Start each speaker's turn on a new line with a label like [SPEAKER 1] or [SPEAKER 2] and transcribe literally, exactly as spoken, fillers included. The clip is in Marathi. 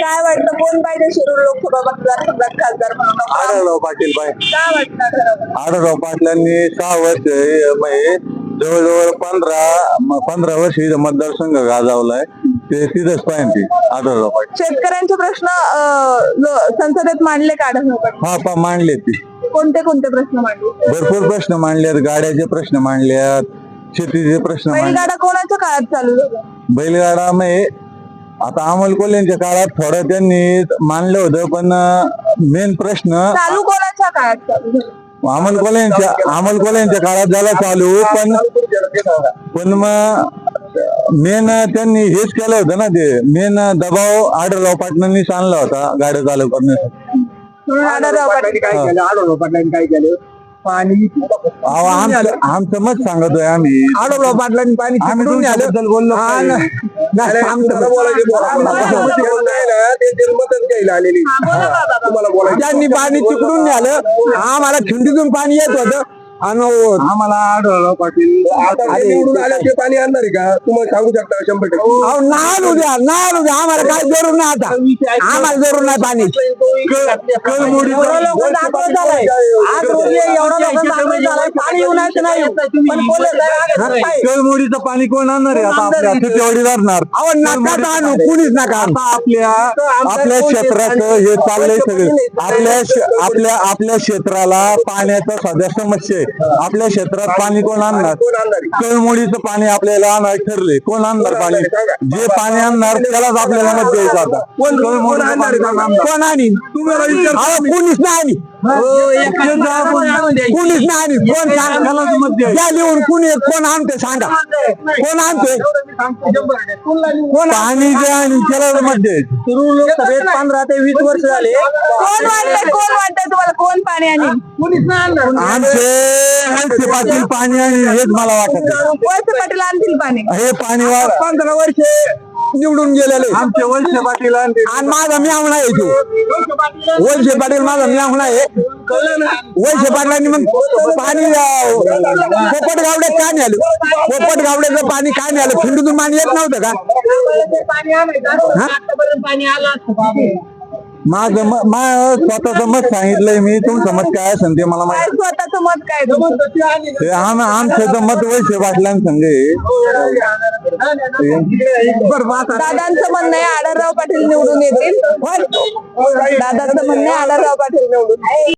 [SPEAKER 1] काय वाटतं कोण पाहिजे शिरूर लोकसभा मतदारसंघात खासदार म्हणून?
[SPEAKER 2] आढळराव पाटील पाहिजे.
[SPEAKER 1] काय वाटतं आढळराव?
[SPEAKER 2] आढळराव पाटलांनी सहा वर्ष अं, म्हणजे जवळजवळ पंधरा म- पंधरा वर्ष इथं मतदारसंघ गाजवलाय. ते तिथंच पाहिजे आढळराव पाटील.
[SPEAKER 1] शेतकऱ्यांचे प्रश्न अं, लो- संसदेत मांडले का आढळराव पाटील?
[SPEAKER 2] हा पा मांडले ती
[SPEAKER 1] कोणते कोणते प्रश्न मांडले?
[SPEAKER 2] भरपूर प्रश्न मांडलेत. गाड्याचे प्रश्न मांडल्यात, शेतीचे प्रश्न मांडले.
[SPEAKER 1] बैलगाडा कोणाच्या काळात चालू झाला?
[SPEAKER 2] बैलगाडा म्हणजे आता अमोल कोल्हेंच्या काळात थोडं त्यांनी मानलं होतं, पण मेन प्रश्न
[SPEAKER 1] चालू कोणाच्या काळात चालू झाला?
[SPEAKER 2] अमोल कोल्हेंच्या अमोल कोल्हेंच्या काळात झाला चालू, पण पण मग मेन त्यांनी हेच केलं होतं ना, ते मेन दबाव आढळराव पाटलांनीच आणला होता गाड्या चालू करण्यासाठी.
[SPEAKER 1] म्हणून आढळराव पाटील.
[SPEAKER 3] काय केलं आढळराव पाटलांनी काय केलं पाणी
[SPEAKER 2] अहो, आमचं आमचं मत सांगतोय आम्ही.
[SPEAKER 3] आढळराव पाटलांनी पाणी
[SPEAKER 2] आम्ही
[SPEAKER 3] तिकडून आलं.
[SPEAKER 2] तुमच्याबद्दल बोललो
[SPEAKER 3] हा
[SPEAKER 2] नाही.
[SPEAKER 3] ना. नाही, आमचं
[SPEAKER 1] हा, बोला बाबा.
[SPEAKER 3] ज्यांनी पाणी तिकडून नेलं आम्हाला खिंडीतून पाणी येत होतं आणि
[SPEAKER 2] आम्हाला आढळराव पाटील
[SPEAKER 4] आता ते निवडून आलं ते पाणी आणणार आहे का तुम्हाला सांगू शकता शंभर टक्के
[SPEAKER 3] अहो, नाही आणू द्या नाही आणू द्या आम्हाला काय जरूर नाही आता आम्हाला जरूर नाही पाणी
[SPEAKER 1] एवढं लोक जागृत झालाय. आज रोजी एवढं लोक जागृत झालाय. पाणी येऊनच नाही. पण कोल्हे साहेब आले नाही.
[SPEAKER 2] कळमुडीचं पाणी कोण आणणार आहे आता आपल्या तुझ्यावडी धरणार.
[SPEAKER 3] अहो नका आणू कुणीच नका आणू.
[SPEAKER 2] आता आपल्या आपल्या क्षेत्राचं हे चाललंय सगळं. आपल्या श- आपल्या आपल्या क्षेत्राला पाण्याचा सध्या समस्या आहे. आपल्या क्षेत्रात पाणी कोण आणणार?
[SPEAKER 4] कोण आणणार आहे?
[SPEAKER 2] कळमुडीचं पाणी आपल्याला आणायला ठरले. कोण आणणार पाणी? जे पाणी आणणार त्यालाच आपल्याला मत द्यायचं आता. कोण कळमुडीचं पाणी कोण आणणार?
[SPEAKER 3] कोण आणि
[SPEAKER 4] तुम्हाला विचार
[SPEAKER 3] अहो कुणीच नाही आणि कुणीच नाही आणि कोण सांग द्या लिहून कुणी कोण आणते सांगा कोण आणते
[SPEAKER 2] पाणी जे आणि त्याला मत द्यायचं.
[SPEAKER 3] शिरूर लोकसभेत पंधरा ते वीस वर्ष झाले
[SPEAKER 1] कोण वाटतंय कोण वाटतंय तुम्हाला कोण पाणी आणि
[SPEAKER 2] आमचे वळसे पाटील पाणी आणि हेच मला वाटत आहे.
[SPEAKER 1] वळसे पाटील आणतील पाणी?
[SPEAKER 2] हे पाणी वा-
[SPEAKER 3] पंधरा वर्ष निवडून गेलेले
[SPEAKER 2] आमचे वळसे पाटील आणि ते-
[SPEAKER 3] आणि माझा म्यावणा आहे तो वळसे पाटील माझा म्यावणा आहे वळसे पाटलांनी मग पाणी अं, पोपट गावड्यात का नाही आलं पोपट गावड्याचं पाणी काय नाही आलं खिंडीतून पाणी येत नव्हतं का
[SPEAKER 2] माझं म- मा- स्वतःचं मत सांगितलंय मी. तुमचं मत काय असेल ते मला
[SPEAKER 1] काय
[SPEAKER 2] माहिती.
[SPEAKER 1] स्वतःचं मत काय तुमचं?
[SPEAKER 2] ते आम आमचं तर मत वळसे पाटलांसंग आहे.
[SPEAKER 1] दादांचं म्हणणं आहे आढळराव पाटील निवडून येतील. दादांचं म्हणणं आहे आढळराव पाटील निवडून